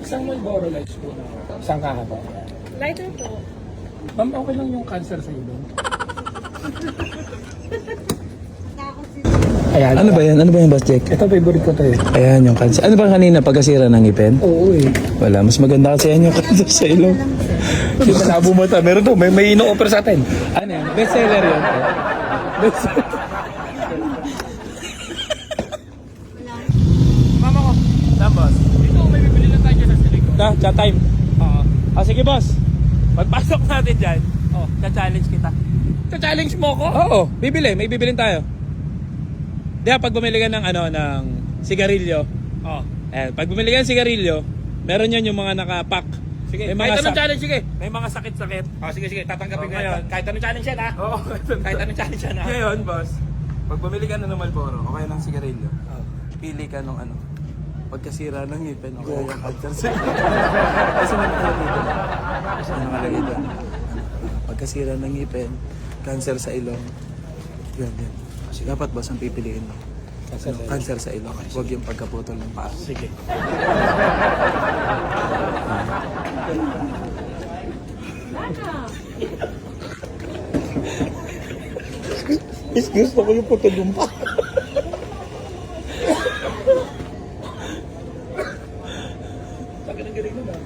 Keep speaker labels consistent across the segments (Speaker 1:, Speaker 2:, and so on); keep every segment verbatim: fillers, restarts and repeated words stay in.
Speaker 1: Isang Marlboro Lights po na. Isang kahaba.
Speaker 2: Lighter po.
Speaker 1: Ma'am, okay lang yung cancer sa ilong. Ayan.
Speaker 3: Ano ba yan? Ano ba yung boss Jake?
Speaker 1: Ito, favorite ko to eh.
Speaker 3: Ayan yung cancer. Ano ba kanina? Pagkasira ng ngipin?
Speaker 1: Oo eh.
Speaker 3: Wala. Mas maganda kasi yan yung cancer sa ilong.
Speaker 1: Hindi ka nabumata. Meron to. May, may ino-offer sa atin.
Speaker 3: Ano yan? Best seller yun. Best
Speaker 1: Mama ko.
Speaker 3: Saan boss?
Speaker 1: Dito, may bibili lang tayo dyan sa silig ko.
Speaker 3: Na, chat time.
Speaker 1: Oo.
Speaker 3: Ah, sige boss. Pagpasok natin dyan, oh, cha-challenge kita.
Speaker 1: Challenge mo ko?
Speaker 3: Oo, bibili. May bibilin tayo. Di ba, pag bumili ka ng, ano, ng sigarilyo,
Speaker 1: Oo.
Speaker 3: eh, pag bumili ka ng sigarilyo, meron yan yung mga nakapack.
Speaker 1: Sige,
Speaker 3: May
Speaker 1: kahit
Speaker 3: mga
Speaker 1: anong
Speaker 3: sak-
Speaker 1: challenge, sige.
Speaker 3: May mga sakit-sakit.
Speaker 1: Oh, sige, sige. Tatanggapin
Speaker 3: Oh,
Speaker 1: ko
Speaker 3: ngayon.
Speaker 1: yan. Kahit anong challenge yan, ha?
Speaker 3: Oo,
Speaker 1: Kahit anong challenge yan, ha?
Speaker 3: Ngayon, boss, pag bumili ka na ng Marlboro, o kaya ng sigarilyo, pili ka nung ano, pagkasira ng ngipin, o kaya yung cancer sa Kasi may nakalagay doon. Kasi may nakalagay doon. Pagkasira ng ngipin, cancer sa ilong. Yun, yun. Kasi dapat boss ang pipiliin mo.
Speaker 1: Cancer sa ilong.
Speaker 3: Cancer sa ilong. Huwag yung pagkaputol ng paa.
Speaker 1: Sige. Is gusto ko yung putol yung pa. Sakin ang galing na.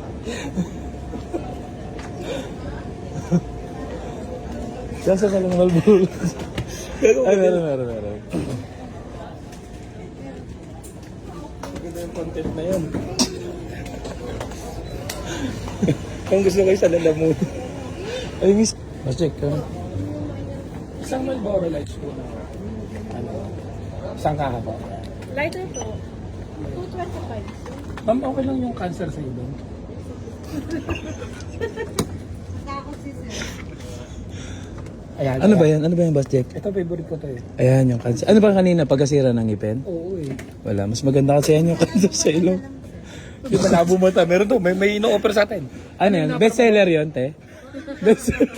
Speaker 3: Cancer sa ilong Marlboro. Ay, meron, meron, meron.
Speaker 1: Maganda yung content na yun. Kung gusto ko isa lalamun.
Speaker 3: Ay, miss. Boss check ka.
Speaker 1: Isang Marlboro Lights po na. Ano? Isang kahaba.
Speaker 2: Lighter po. two twenty-five.
Speaker 1: Ma'am, okay lang yung cancer sa ilong. Ayan.
Speaker 3: Ano ba yan? Ano ba yung boss check?
Speaker 1: Ito, favorite ko to eh.
Speaker 3: Ayan yung cancer. Ano ba kanina? Pagkasira ng ngipin?
Speaker 1: Oo eh.
Speaker 3: Wala. Mas maganda kasi yan yung cancer sa ilong.
Speaker 1: Hindi ka nabumata. Meron to. May, may ino-offer sa atin.
Speaker 3: Ano yan? Best seller yun, te? Best seller.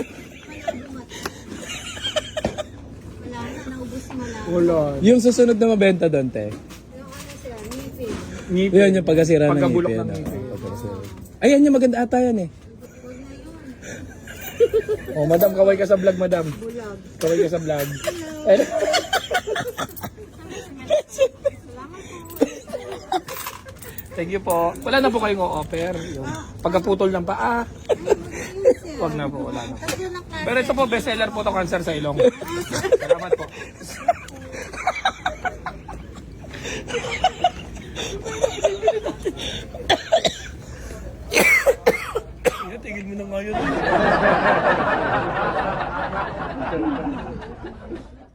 Speaker 4: Wala na, naubos mo lang.
Speaker 1: Wala.
Speaker 3: Yung susunod na mabenta doon, te?
Speaker 4: Yung ano sila, ngipin.
Speaker 1: Ngipin.
Speaker 3: Yun yung pagkasira ng
Speaker 1: Pagkabulok
Speaker 3: ngipin.
Speaker 1: ng ngipin.
Speaker 3: Oh, pagkasira. Ayan yung maganda ata yan eh.
Speaker 1: Oh, madam, kaway ka sa vlog, madam.
Speaker 4: Bulag.
Speaker 1: Kaway ka sa vlog.
Speaker 4: Salamat po.
Speaker 1: Thank you po. Wala na po kayong offer. Yung pagkaputol ng paa. Wag na po, wala na.
Speaker 4: Tatlo ng klase.
Speaker 1: Pero ito po, bestseller po to, cancer sa ilong. Salamat po. Tingin mo na ngayon.